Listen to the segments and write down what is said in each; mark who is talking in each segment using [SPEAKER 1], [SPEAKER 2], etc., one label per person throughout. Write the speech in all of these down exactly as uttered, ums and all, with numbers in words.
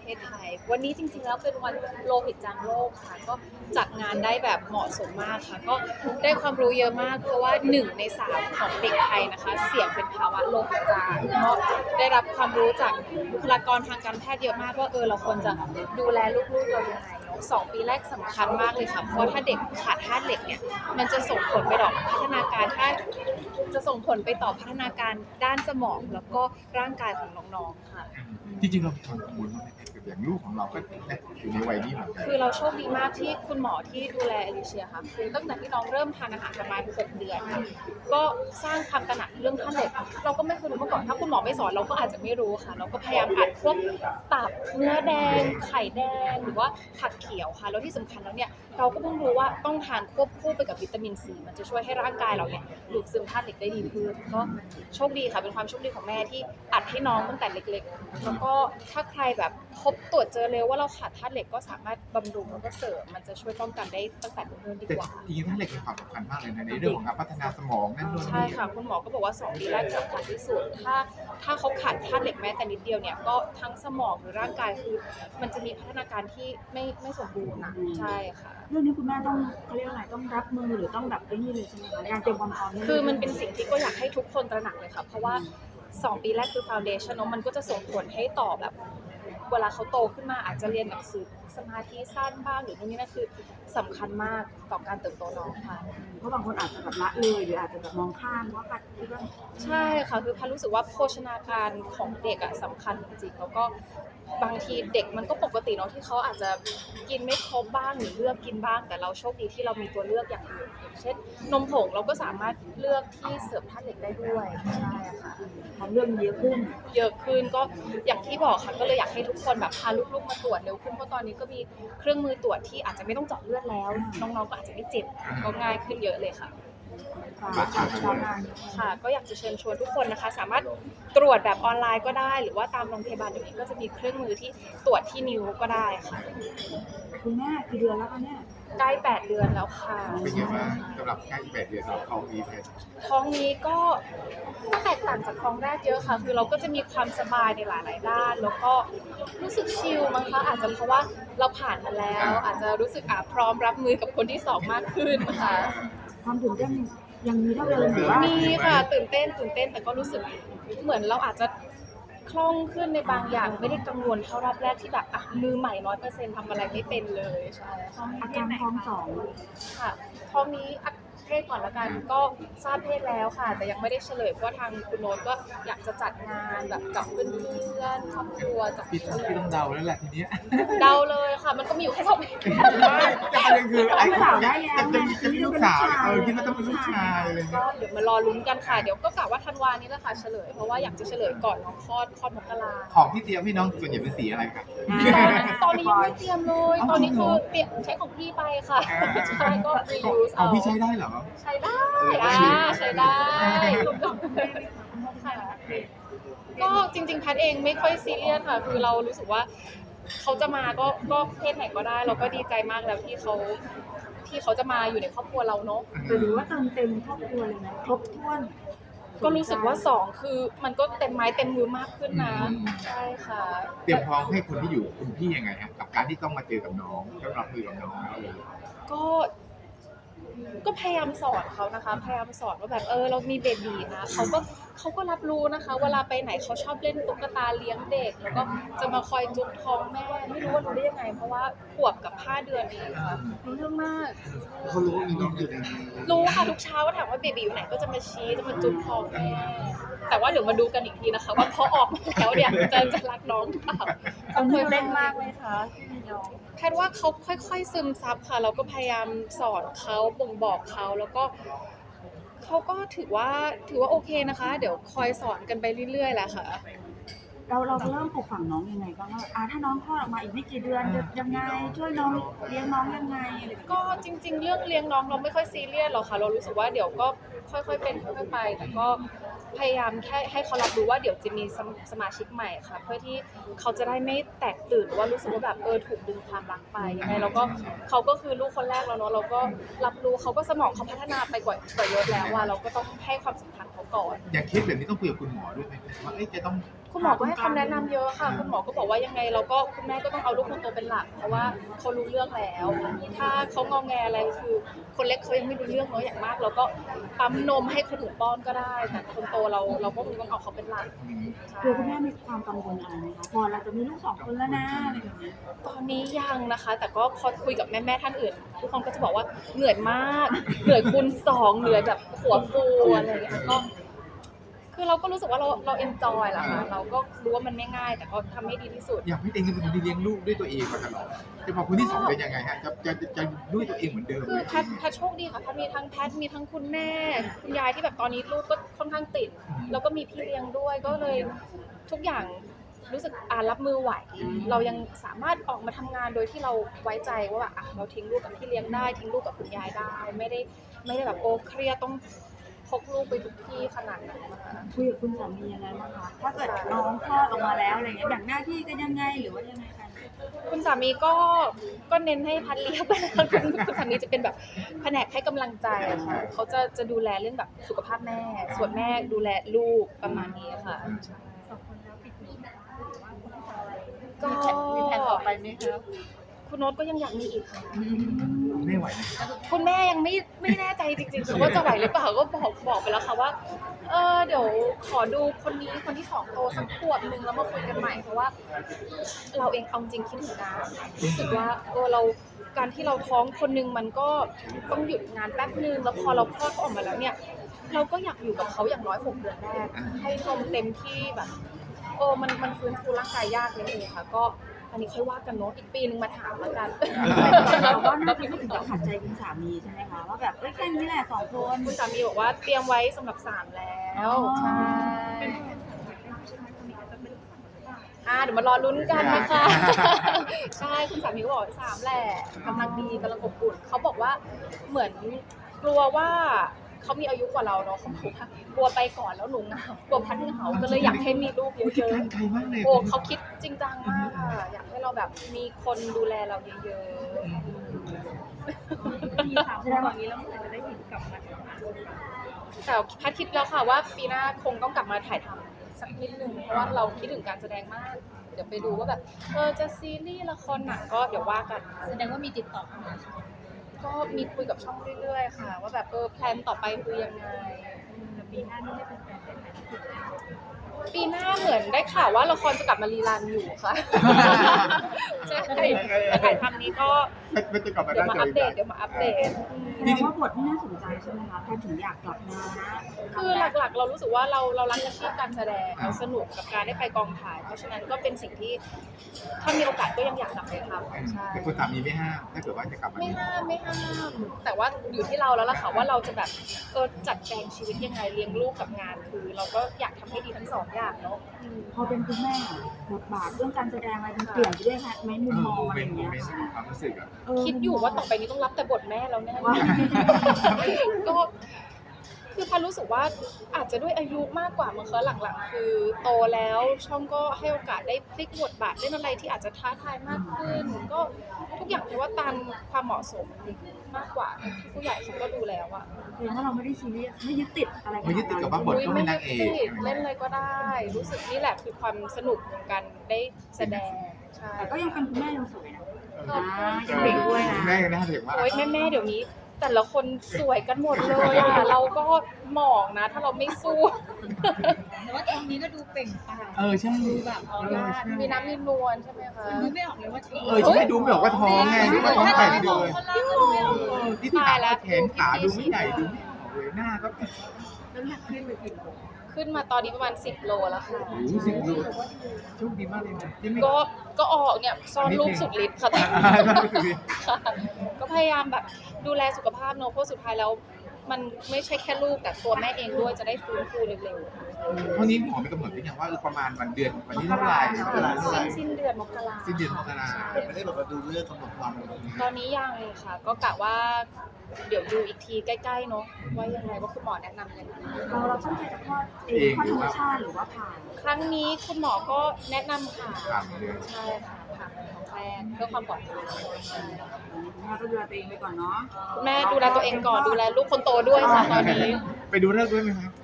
[SPEAKER 1] เทศไทยวันนี้จริงๆแล้วเป็นวันโลหิตจางโลกค่ะก็จัดงานได้แบบเหมาะสมมากค่ะก็ได้ความรู้เยอะมากเพราะว่าหนึ่งในสามของเด็กไทยนะคะเสี่ยงเป็นภาวะโลหิตจางเพราะได้รับความรู้จากบุคลากรทางการแพทย์เยอะมากว่าเออเราควรจะดูแลลูกๆเรายังไงเนาะสองปีแรกสำคัญมากเลยค่ะเพราะถ้าเด็กขาดธาตุเหล็กเนี่ยมันจะส่งผลไปต่อพัฒนาการถ้าจะส่งผลไปต่อพัฒนาการด้านสมองแล้วก็ร่างกายของน้องๆค่ะ
[SPEAKER 2] จริงๆเรามีความกังวลมากไหมกับอย่างลูกของเราก็อยู่ในวัยนี้เหมือนกัน
[SPEAKER 1] คือเราโชคดีมากที่คุณหมอที่ดูแลเอลิเชียค่ะคือตั้งแต่ที่น้องเริ่มทานอาหารประมาณหกเดือนค่ะก็สร้างความตระหนักเรื่องธาตุเหล็กเราก็ไม่เคยรู้มาก่อนถ้าคุณหมอไม่สอนเราก็อาจจะไม่รู้ค่ะเราก็พยายามอัดพวกตับเนื้อแดงไข่แดงหรือว่าผักเขียวค่ะแล้วที่สำคัญแล้วเนี่ยเราก็เพิ่งรู้ว่าต้องทานควบคู่ไปกับวิตามินซีมันจะช่วยให้ร่างกายเราเนี่ยดูดซึมธาตุเหล็กได้ดีขึ้นก็โชคดีค่ะเป็นความโชคดีของแม่ที่อัดให้น้องตั้งแต่เล็กๆแล้วก็ถ้าใครแบบพบตรวจเจอเร็วว่าเราขาดธาตุเหล็กก็สามารถบำรุงแล้วก็เสริมมันจะช่วยป้องกันได้ตั้งแต่เนิ่นๆดี
[SPEAKER 2] แต่
[SPEAKER 1] กว่า
[SPEAKER 2] จริงๆถ้าเหล็กมีความสำคัญมากเลยนะในเรื่องของการพัฒนาสมองนั่นนู่น
[SPEAKER 1] ใช่
[SPEAKER 2] นี่
[SPEAKER 1] ค่ะคุณหมอก็บอกว่าสองปีแรกสำคัญที่สุดถ้าถ้าเขาขาดธาตุเหล็กแม้แต่นิดเดียวเนี่ยก็ทั้งสมองหรือร่างกายคือมันจะมีพัฒนาการที่ไม่ไม่สมบูรณ์นะใช่ค่ะ
[SPEAKER 3] เรื่องนี้คุณแม่ต้องเขาเรียกอะไรต้องรับมือหรือต้องแบบไอ้นี่เลยใช่ไหมคะการเตรียมความพร้อมนี่
[SPEAKER 1] คือมันเป็นสิ่งที่ก็อยากให้ทุกคนตระหนักเลยค่ะเพราะว่าสองปีแรกคือ foundation เนอะมันก็จะส่งผลให้ต่อแบบเวลาเขาโตขึ้นมาอาจจะเรียนหนังสือสมาธิสั้นบ้างหรือนู่นนี่นั่นคือสำคัญมากต่อการเติบโตน้องค่ะ
[SPEAKER 3] เพราะบางคนอาจจะแบบละเลยหรืออาจจะแบบมองข้ามว่าพัดคิดว่า
[SPEAKER 1] ใช่ค่ะคือพันรู้สึกว่าโภชนาการของเด็กอะสำคัญจริงๆแล้วก็บางทีเด็กมันก็ปกติเนาะที่เขาอาจจะกินไม่ครบบ้างหรือเลือกกินบ้างแต่เราโชคดีที่เรามีตัวเลือกอย่างอื่นอย่างเช่นนมผงเราก็สามารถเลือกที่เสริมธาตุเหล็กได้ด้วยใช่ค่ะ
[SPEAKER 3] ความเรื่องเยอะขึ้น
[SPEAKER 1] เยอะขึ้นก็อย่างที่บอกค่ะก็เลยอยากให้ทุกคนแบบพาลูกๆมาตรวจเร็วขึ้นเพราะตอนนี้ก็มีเครื่องมือตรวจที่อาจจะไม่ต้องเจาะเลือดแล้วน้องๆก็อาจจะไม่เจ็บก็ง่ายขึ้นเยอะเลยค่ะ ค่ะก็อยากจะเชิญชวนทุกคนนะคะสามารถตรวจแบบออนไลน์ก็ได้หรือว่าตามโรงพยาบาลอย่างนี้ก็จะมีเครื่องมือที่ตรวจที่นิ้วก็ได้ค่ะ
[SPEAKER 3] คุณแม่กี่เดือนแล้วคะเนี่ย
[SPEAKER 1] ใกล้แปดเดือนแล้วค่ะ
[SPEAKER 2] เป็นไงบ้างสำหรับใกล้แปดเดือนเราเขามีเพศ
[SPEAKER 1] ท้องนี้ก็แตกต่างจากท้องแรกเยอะค่ะคือเราก็จะมีความสบายในหลายๆด้าน แล้วก็รู้สึกชิลมั้งคะอาจจะเพราะว่าเราผ่านมาแล้ว อาจจะรู้สึกอ่ะพร้อมรับมือกับคนที่สองมากขึ้นค่ะ
[SPEAKER 3] ความตื่นเต้นยังมีเท่าเดิมหรือว่า
[SPEAKER 1] มีค่ะตื่นเต้นตื่นเต้นแต่ก็รู้สึกเหมือนเราอาจจะคล่องขึ้นในบางอย่างไม่ได้กังวลเท่ารอบแรกที่แบบอ่ะมือใหม่ร้อยเปอร์เซ็นต์ทำอะไรไม่เป็นเลยใช่ค่ะ
[SPEAKER 3] อาการท้องสอง
[SPEAKER 1] ค่ะท้องนี้อัเพศก่อนละกันก็ทราบเพศแล้วค่ะ แต่ยังไม่ได้เฉลยเพราะว่าทางคุณโน้ตก็อยากจะจัดงานแบบกับเพื่อนๆครอบครัวจัด
[SPEAKER 2] พี่ต้องพี่ต้องเดาแล้วแหละทีเนี้ย
[SPEAKER 1] เดาเลยค่ะ มันก็มีอยู่แค่สองเพศ
[SPEAKER 2] แต่ประเด็นคือไอ้
[SPEAKER 3] ลูกสาวได้แล้ว
[SPEAKER 2] จะมีจะมีลูกสาวเออคิดว่าต้องเป็นลูกชายอะไร
[SPEAKER 1] ก็
[SPEAKER 2] เงี้ย
[SPEAKER 1] เดี๋ยวมารอลุ้นกันค่ะ เดี๋ยวก็กะว่าธันวานี้แหละค่ะเฉลย เพราะว่าอยากจะเฉลยก่อนน้องคลอดคลอดมกรา
[SPEAKER 2] ของที่เตรียมให้น้องส่วนใหญ่เป็นสีอะไรครับ
[SPEAKER 1] ตอนนี้ยังไม่เตรียมเลย ตอนนี้คือเตรียมใช้ของพี่ไปค่ะใช่ก็ reuse
[SPEAKER 2] เอา
[SPEAKER 1] เอา
[SPEAKER 2] พี่ใช้ได้เหรอ
[SPEAKER 1] ใช้ได้อ่าใช้ได้ค่ะก็จริงๆแพทย์เองไม่ค่อยซีเรียสค่ะ คือเรารู้สึกว่าเขาจะมาก็ก็เพศไหนก็ได้ เราก็ดีใจมากแล้วที่เขาที่เขาจะมาอยู่ในครอบครัวเราเนาะ
[SPEAKER 3] แต่หรือว่าเติมเต็มครอบครัวเลยนะครบถ้วน
[SPEAKER 1] ก็รู้สึกว่าสองคือมันก็เต็มไม้เต็มมือมากขึ้นนะ
[SPEAKER 2] อืม
[SPEAKER 1] ใช่ค่ะ
[SPEAKER 2] เตรียมพร้อมให้คนที่อยู่คุณพี่ยังไงครับกับการที่ต้องมาเจอกับน้องต้องรับมือกับน้องแล้วเลย
[SPEAKER 1] ก็ก็พยายามสอนเขานะคะ พยายามสอนว่าแบบเออเรามีเบบีนะเขาก็เขาก็รับรู้นะคะ เวลาไปไหนเขาชอบเล่นตุ๊กตาเลี้ยงเด็ก แล้วก็จะมาคอยจุ๊บท้องแม่ไม่รู้ว่ารู้ได้ยังไง เพราะว่าขวบกับห้าเดือนเองค่ะรู้เรื่องมาก
[SPEAKER 2] เขารู้ว่ามีน้องอยู่ในนี้
[SPEAKER 1] รู้ค่ะทุกเช้าก็ถามว่าเบบีอยู่ไหนก็จะมาชี้จะมาจุ๊บท้องแม่แต่ว่าเดี๋ยวมาดูกันอีกทีนะคะ ว่าพอออกมาแล้วเนี่ยจะจะรักน้องหรือเปล่า
[SPEAKER 3] ตอนนี้เล่นมากเลยค่ะที่มีน้อง
[SPEAKER 1] แพทย์ว่าเขาค่อยๆซึมซับค่ะเราก็พยายามสอนเขาบ่งบอกเขาแล้วก็เขาก็ถือว่าถือว่าโอเคนะคะ เดี๋ยวคอยสอนกันไปเรื่อยๆแหละค่ะ
[SPEAKER 3] เราเราเริ่มปลูกฝังน้องยังไงบ้างว่าอ่าถ้าน้องคลอดออกมาอีกไม่กี่เดือนจะยังไงช่วยน้องเลี้ยงน้องยังไงอะไรแบบนี้
[SPEAKER 1] ก็จริง ๆ เรื่องเลี้ยงน้องเราไม่ค่อยซีเรียสหรอกค่ะเรารู้สึกว่าเดี๋ยวก็ค่อยๆเป็นค่อยๆไป แต่ก็พยายามแค่ให้เขารับรู้ว่าเดี๋ยวจะมีสมสมาชิกใหม่ค่ะ เพื่อที่เขาจะได้ไม่แตกตื่นหรือว่ารู้สึกว่าแบบเออถูกดึงความรักไปยังไงเราก็เขาก็คือลูกคนแรกแล้วเนาะเราก็รับรู้เขาก็สมองเขาพัฒนาไปกว่ากว่าเยอะแล้วว่าเราก็ต้องให้ความสำคัญเขาก่อน
[SPEAKER 2] อย่างเคสแบบนี้ต้องคุยกับคุณหมอด้วยไหมว่าเอ๊ะจะต้อง
[SPEAKER 1] คุณหมอก็ให้คำแนะนำเยอะค่ะคุณหมอก็บอกว่ายังไงเราก็คุณแม่ก็ต้องเอาลูกคนโตเป็นหลักเพราะว่าเขารู้เรื่องแล้ว ถ้าเขางอแงอะไรคือคนเล็กเขายังไม่รู้เรื่องเนาะอย่างมากเราก็ปั๊มนมให้คนอื่นป้อนก็ได้แต่คนโตเราเราก็คงต้องเอาเขาเป็นหลัก
[SPEAKER 3] ตัวคุณแม่มีความกังวลอะไรไหมคะพอเราจะมีลูกสองคนแล้วนะอะไรแบบนี้
[SPEAKER 1] ตอนนี้ยังนะคะ แต่ก็พอคุยกับแม่ๆท่านอื่น ทุกคนก็จะบอกว่าเหนื่อยมากเหนื่อยคูณสองเหนื่อยแบบหัวฟูอะไรอย่างเงี้ยก็คือเราก็รู้สึกว่าเราเราเอนจอยแหละค่ะเราก็รู้ว่ามันไม่ง่าย แต่ก็ทำให้ดีที่สุด
[SPEAKER 2] อยากให้เองเป็นคนที่เลี้ยงลูกด้วยตัวเองมาตลอดจะพอคนที่สองเป็นยังไงฮะจะจะจะจะด้วยตัวเองเหมือนเดิม
[SPEAKER 1] คื
[SPEAKER 2] ไห
[SPEAKER 1] อ
[SPEAKER 2] ม
[SPEAKER 1] แพทย์แพทย์โชคดีค่ะแพทย์มีทั้งแพทย์มีทั้งคุณแม่ คุณยายที่แบบตอนนี้ลูกก็ค่อนข้างติด แล้วก็มีพี่เลี้ยงด้วยก็เลยทุกอย่างรู้สึกอ่ารับมือไหว เรายังสามารถออกมาทำงานโดยที่เราไว้ใจว่าแบบอ่ะเราทิ้งลูกกับพี่เลี้ยงได้ทิ้งลูกกับคุณยายได้ ไม่ได้ไม่ได้แบบโอ้เครียดต้องพกลูกไปทุกที่ขนาดนั้นนะคะ
[SPEAKER 3] คุยกับคุณสามียังไงบ้างคะถ้าเกิดน้องคลอดออกมาแล้วอะไรเงี้ยแบ่งหน้าที่กันยังไงหรือว่ายังไงกัน
[SPEAKER 1] คุณสามีก็ก็เน้นให้พัดเลี้ยงไปแล้วคุณคุณสามีจะเป็นแบบแผนกให้กำลังใจอะค่ะเขาจะจะดูแลเรื่องแบบสุขภาพแม่ ส่วนแม่ดูแลลูกประมาณนี้ค่ะก็มีแผนต่อไปไหมคะคุณโน้ตก็ยังอยากมีอีกค่ะ
[SPEAKER 2] ไม่ไหวนะ
[SPEAKER 1] คุณแม่ยังไม่ไม่แน่ใจจริงๆค่ะว่าจะไหวหรือเปล่าก็บอกบอกไปแล้วค่ะว่าเออเดี๋ยวขอดูคนนี้คนที่สองโตสักขวบนึงแล้วมาคุยกันใหม่เพราะว่า เราเองเอาจริงคิดถึงงานรู้สึกว่าเออเราการที่เราท้องคนนึงมันก็ต้องหยุดงานแป๊บนึงแล้วพอเราคลอดเขาออกมาแล้วเนี่ย เราก็อยากอยู่กับเขาอย่างน้อยหกเดือนแรกให้นมเต็มที่แบบโอ้มันมันฟื้นฟูร่างกายยากนิดนึงค่ะก็อันนี้ค่อยว่ากันเนาะอีกปีนึงมาถามแล้วกัน
[SPEAKER 3] เราก็น่าจะไม่ถึงกับขัดใจคุณสามีใช่ไหมคะว่าแบบเอ้ยแค่นี้แหละสองคน
[SPEAKER 1] คุณสามีบอกว่าเตรียมไว้สำหรับสามแล้วใช่อ่าเดี๋ยวมารอลุ้นกันนะคะ ใช่คุณสามีก็บอกสามแหละกำลังดีกำลังอบอุ่นเขาบอกว่าเหมือนกลัวว่าเขามีอายุกว่าเราเนาะเขาบอกว่ากลัวไปก่อนแล้วหนูเหงากลัวพัดเหงาก็เลยอยากให้มีลูกเย
[SPEAKER 2] คิด
[SPEAKER 1] อะ
[SPEAKER 2] การไกลมากเลย
[SPEAKER 1] ๆโอ้เขาคิดจริงจังมากค่ะอยากให้เราแบบมีคนดูแลเราเยอะๆ
[SPEAKER 3] มีสามคนตอนนี้แล้วเมื่อไหร่จะได้เห็นกลับมา
[SPEAKER 1] แต่พัดคิดแล้วค่ะว่าปีหน้าคงต้องกลับมาถ่ายทำสักนิดนึงเพราะว่าเราคิดถึงการแสดงมาก เดี๋ยวไปดูว่าแบบเออจะซีรีส์ละครหนังก็เดี๋ยวว่ากัน
[SPEAKER 4] แสดงว่ามีติดต่อเข้ามา
[SPEAKER 1] ก็มีคุยกับช่องเรื่อยๆค่ะ ว่าแบบเออแพลนต่อไปคือยังไง
[SPEAKER 4] แต่ปีหน้านี่ได้เป็นแฟนได้ไหม
[SPEAKER 1] ปีหน้าเหมือนได้ข่าวว่าละครจะกลับมารีรันอยู่ค่ะ ใช่แต่ถ่ายทำนี้ก็
[SPEAKER 2] ไม่ไม่จะกลับมา
[SPEAKER 1] เดี๋
[SPEAKER 2] ได้
[SPEAKER 1] ยวมา
[SPEAKER 2] เจ
[SPEAKER 1] อั
[SPEAKER 2] อ
[SPEAKER 1] ปเดตเดี๋ยวมาอัปเดต
[SPEAKER 3] แสดงว่าบทที่น่าสนใจใช่ไหมคะแพทย์ถึงอยากกลับมานะ
[SPEAKER 1] คือหลักๆ เรารู้สึกว่าเราเรารักอาชีพการแสดงเราสนุกกับการได้ไปกองถ่าย เพราะฉะนั้นก็เป็นสิ่งที่ถ้ามีโอกาสก็ยังอยากกลับไปทำใช่
[SPEAKER 2] แต่คุณสามีไม่ห้ามถ้าเกิดว่าจะกลับมา
[SPEAKER 1] ไม่ห้ามไม่ห้ามแต่ว่าอยู่ที่เราแล้วล่ะค่ะว่าเราจะแบบเออจัดแจงชีวิตยังไงเลี้ยงลูกกับงานคือ เราก็อยากทำให้ดีทั้งสองอย่างเนาะอืม
[SPEAKER 3] พอเป็นคุณแม่บทบาทเรื่องการแสดงอะไรมันเปลี่ยนไปด้วยค่ะไหมมุ
[SPEAKER 2] เอ
[SPEAKER 3] ม
[SPEAKER 2] อ
[SPEAKER 3] มอง
[SPEAKER 2] โม
[SPEAKER 3] อะ
[SPEAKER 2] เม
[SPEAKER 3] ไร
[SPEAKER 2] น
[SPEAKER 3] อ
[SPEAKER 2] ต์
[SPEAKER 3] ย่าง
[SPEAKER 2] โม
[SPEAKER 3] เงี้ย
[SPEAKER 2] เมนต์ความรู้สึกอะ
[SPEAKER 3] เออ
[SPEAKER 1] คิดอยู่ว่าต่อไปนี้ต้องรับแต่บทแม่แล้วแน่
[SPEAKER 3] ว่า
[SPEAKER 1] ก็คือพันรู้สึกว่าอาจจะด้วยอายุมากกว่ามั้งคะหลังๆ คือโตแล้วช่องก็ให้โอกาสได้พลิกบทบาทเล่นอะไรที่อาจจะท้าทายมากขึ้น ก็ทุกอย่างคือว่าตามความเหมาะสมมากกว่าที่ผู้ใหญ่เขาก็ดูแล้วอะ
[SPEAKER 3] แสดงว่าเราไม่ได้ซีเรียสไม่ยึดติดอะไร
[SPEAKER 2] ไม่ยึดติดกับว่าบท
[SPEAKER 1] อุ๊ย
[SPEAKER 2] ต้องเป็นนางเอก
[SPEAKER 1] ไม่ติดเล่นอะไรก็ได้ รู้สึกนี่แหละคือความสนุกของการได้แสดงใช่
[SPEAKER 3] แต่ก็ยังเป็นคุณแม่ยังสวยนะ
[SPEAKER 1] ขอบคุณ
[SPEAKER 3] ยังเด็กด้วยนะ
[SPEAKER 2] แม่ก็น่าเด็กมาก
[SPEAKER 1] โอ๊ยแม่ๆเดี๋ยวนี้ แต่ละคนสวยกันหมดเลยอะเราก็หมองนะ ถ้าเราไม่สู้
[SPEAKER 4] แต่ว่าตอนนี้ก็ดูเปล่งปลั่ง
[SPEAKER 2] เออใช่
[SPEAKER 4] ดูแบบออร่าดู
[SPEAKER 1] มีน้ำมีนวลใช่ไหมคะ
[SPEAKER 4] ดูไม่ออกเลยว่าท้อง
[SPEAKER 2] เออฉันไม่ดูไม่ออกว่าท้องไงนึกว่าท้องไก่เดือน
[SPEAKER 4] คนละคนเลย
[SPEAKER 2] ที่ที่ขาแขนขาดูไม่ใหญ่ดูไม่ออกเลยหน้าก็
[SPEAKER 4] น้ำหนักขึ้นไปกี่โล
[SPEAKER 1] ขึ้นมาตอนนี้ประมาณสิบโลแล้วค่ะ
[SPEAKER 2] โอ้โหสิบโลโชคดีมากเลยนะที่ไม่
[SPEAKER 1] ก็ก็ออกเนี่ยซ่อนรูปสุดฤทธิ์ค่ะ ค่ะก็พยายามแบบดูแลสุขภาพเนอะเพราะสุดท้ายแล้ว มันไม่ใช่แค่ลูกแต่ตัวแม่เองด้วยจะได้ฟื้นฟูเร็ว
[SPEAKER 2] เท่านี้หมอไม่กำหนดหรือยังว่าเออประมาณวันเดือนวันนี้เท่าไหร่เวลา
[SPEAKER 1] ๆ
[SPEAKER 2] เท่าไห
[SPEAKER 1] สิ้
[SPEAKER 2] ร่
[SPEAKER 1] นสิ้นเดือนมกรา
[SPEAKER 2] สิ้นเดือนมกรา
[SPEAKER 5] ไม่ได้แบบว่าดูเรื่องกำหนดวันอะไรแบบนี้
[SPEAKER 1] ตอนนี้ยังค่ะ ก็กะว่าเดี๋ยวดูอีกทีใกล้ๆเนอะว่ายังไงว่าคุณหมอแนะนำยังไง
[SPEAKER 3] เราเราตั้งใจจะคลอดเองคลอดธรรมชาติหรือว่าผ่า
[SPEAKER 1] ครั้งนี้คุณหมอก็แนะนำค่ะ
[SPEAKER 2] สามเดือน
[SPEAKER 1] ใช่ค่ะผ่าของแรกเพื่อความปลอดภัย
[SPEAKER 3] แม่ก็ดูแลตัวเองไปก่อนเนาะ
[SPEAKER 1] คุณแม่ดูแลตัวเองก่อนดูแลลูกคนโตด้วยค่ะตอนนี้
[SPEAKER 2] ไปดูเรื่องด้วยไหมครับ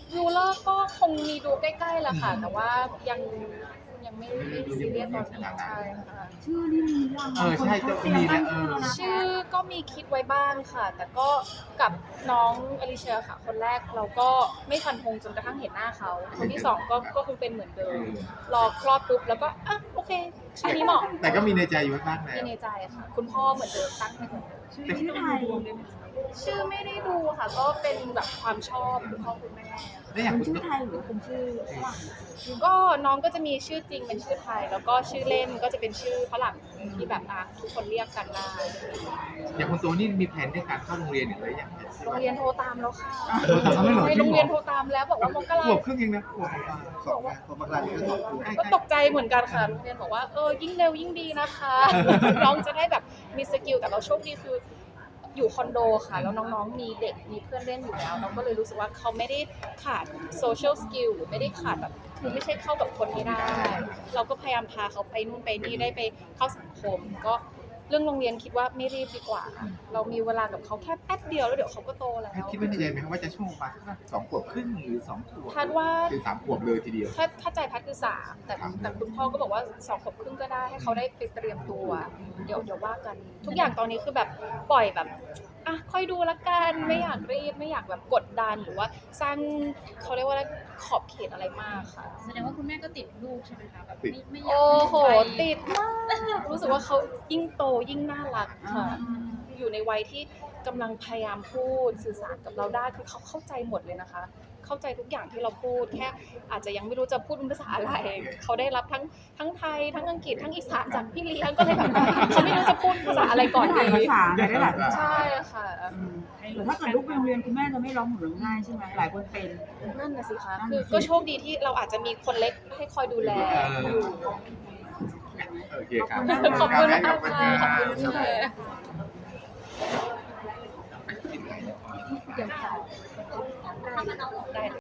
[SPEAKER 1] ยูเลอร์ก็คงมีดูใกล้ๆแหละค่ะ แต่ว่ายังยังไม่ไม่ซีเรียสตอนนี้ใช่ค่ะ
[SPEAKER 3] ชื่อนี่มียัง
[SPEAKER 2] เออใช่จะมีแหละเออ
[SPEAKER 1] ชื่อก็มีคิดไว้บ้างค่ะ แต่ก็กับน้องอลิเชียค่ะ คนแรกเราก็ไม่ฟันธงจนกระทั่งเห็นหน้าเขา คนที่สองก็ก็คงเป็นเหมือนเดิม รอคลอดปุ๊บแล้วก็อ่ะโอเคชื่อนี้เหมาะ
[SPEAKER 2] แต่ก็มีในใจอยู่บ้างแล้
[SPEAKER 1] มี
[SPEAKER 2] ว
[SPEAKER 1] ในใจค่ะ คุณพ่อเหมือนเดิมตั้งให้เหมือนเดิม
[SPEAKER 3] ชื่อชื่อไทย
[SPEAKER 1] ชื่อไม่ได้ดูค่ะ ก็เป็นแบบความชอบคุณพ่อคุณแม่
[SPEAKER 2] ได้อย่าง
[SPEAKER 3] เป็น
[SPEAKER 2] คุณ
[SPEAKER 3] ชื่อไทยหรือเป็นชื่อฝรั่ง
[SPEAKER 1] ก็น้องก็จะมีชื่อจริงเป็นชื่อไทย แล้วก็ชื่อเล่นก็จะเป็นชื่อฝรั่งที่แบบอ่ะทุกคนเรียกกันได้
[SPEAKER 2] อย่างคุณโตนี่มีแผนในการเข้าโรงเรียนอย่างไรอย่าง
[SPEAKER 1] โรงเรียนโทรตามแล้วค่ะ
[SPEAKER 2] โทรตามแล้วเหรอ
[SPEAKER 1] ใช่โรงเรียนโทรตามแล้วบอกว่ามกรา
[SPEAKER 2] ขวบครึ่งเองนะขวบ
[SPEAKER 5] สองคนมกราคมก็สองคน
[SPEAKER 1] ก็ตกใจเหมือนกันค่ะโรงเรียนบอกว่าเออยิ่งเร็วยิ่งดีนะคะ น้องจะได้แบบมีสกิลแต่เราโชคดีคืออยู่คอนโดค่ะ แล้วน้องๆมีเด็กมีเพื่อนเล่นอยู่แล้วเราก็เลยรู้สึกว่าเขาไม่ได้ขาดโซเชียลสกิลหรือไม่ได้ขาดแบบคือไม่ใช่เข้ากับคนไม่ได้ เราก็พยายามพาเขาไปนู่นไปนี่ได้ไปเข้าสังคม ก็เรื่องโรงเรียนคิดว่าไม่รีบดีกว่า เรามีเวลากับเขาแค่แป๊บเดียวแล้วเดี๋ยวเขาก็โตแล้ว
[SPEAKER 2] คิดไว้ในใจไหมครับว่าจะช่วงประมาณสักสองขวบครึ่งหรือสองขวบ
[SPEAKER 1] คาดว่า
[SPEAKER 2] หรือสามขวบเลยทีเดียว
[SPEAKER 1] ถ้าถ้าใจพัดคือสามแต่
[SPEAKER 2] ครับ
[SPEAKER 1] แต่คุณพ่อก็บอกว่าสองขวบครึ่งก็ได้ให้เขาได้ไปเตรียมตัว เดี๋ยวเดี๋ยวว่ากัน ทุกอย่างตอนนี้คือแบบปล่อยแบบอ่ะค่อยดูละกันไม่อยากรีบไม่อยากแบบกดดันหรือว่าสร้างเขาเรียกว่าอะไรขอบเขตอะไรมากค่ะ
[SPEAKER 4] แสดงว่าคุณแม่ก็ติดลูกใช่ไหมคะแบบ
[SPEAKER 2] ติด
[SPEAKER 4] ไม่ไม่อยาก
[SPEAKER 1] โอ้โห
[SPEAKER 4] ไป
[SPEAKER 1] ติดมากรู้สึกว่าเขายิ่งโตยิ่งน่ารักค่ะ อยู่ในวัยที่กำลังพยายามพูดสื่อสารกับเราได้คือเขาเข้าใจหมดเลยนะคะ เข้าใจทุกอย่างที่เราพูดแค่อาจจะยังไม่รู้จะพูดเป็นภาษาอะไร เขาได้รับทั้งทั้งไทยทั้งอังกฤษทั้งอีสานจากพี่เลี้ยงก็เลยแบบเขาไม่รู้จะพูดภาษาอะไรก่อน
[SPEAKER 3] ได้
[SPEAKER 1] ดี
[SPEAKER 3] หลายภาษาได้หลายภาษา
[SPEAKER 1] ใช่ค่ะ
[SPEAKER 3] อืมแต่ถ้าเกิดลูกไปโรงเรียนคุณแม่จะไม่ร้องห่มร้องไห้ใช่ไหมหลายคนเป็น
[SPEAKER 1] นั่นน่ะสิคะ
[SPEAKER 3] นั่น
[SPEAKER 1] คือ
[SPEAKER 3] น่ะสิ
[SPEAKER 1] ก็โชคดีที่เราอาจจะมีคนเล็กให้คอยดูแลอยู่
[SPEAKER 2] โอเคครับ
[SPEAKER 1] ขอบคุณมาก
[SPEAKER 2] ขอบคุณ
[SPEAKER 1] ค่ะ
[SPEAKER 2] ค
[SPEAKER 1] ข
[SPEAKER 2] รั
[SPEAKER 1] อบคุณ
[SPEAKER 2] บ
[SPEAKER 1] ค่ะ
[SPEAKER 2] ปิดไลน์
[SPEAKER 1] เดี๋ยวค่ะได้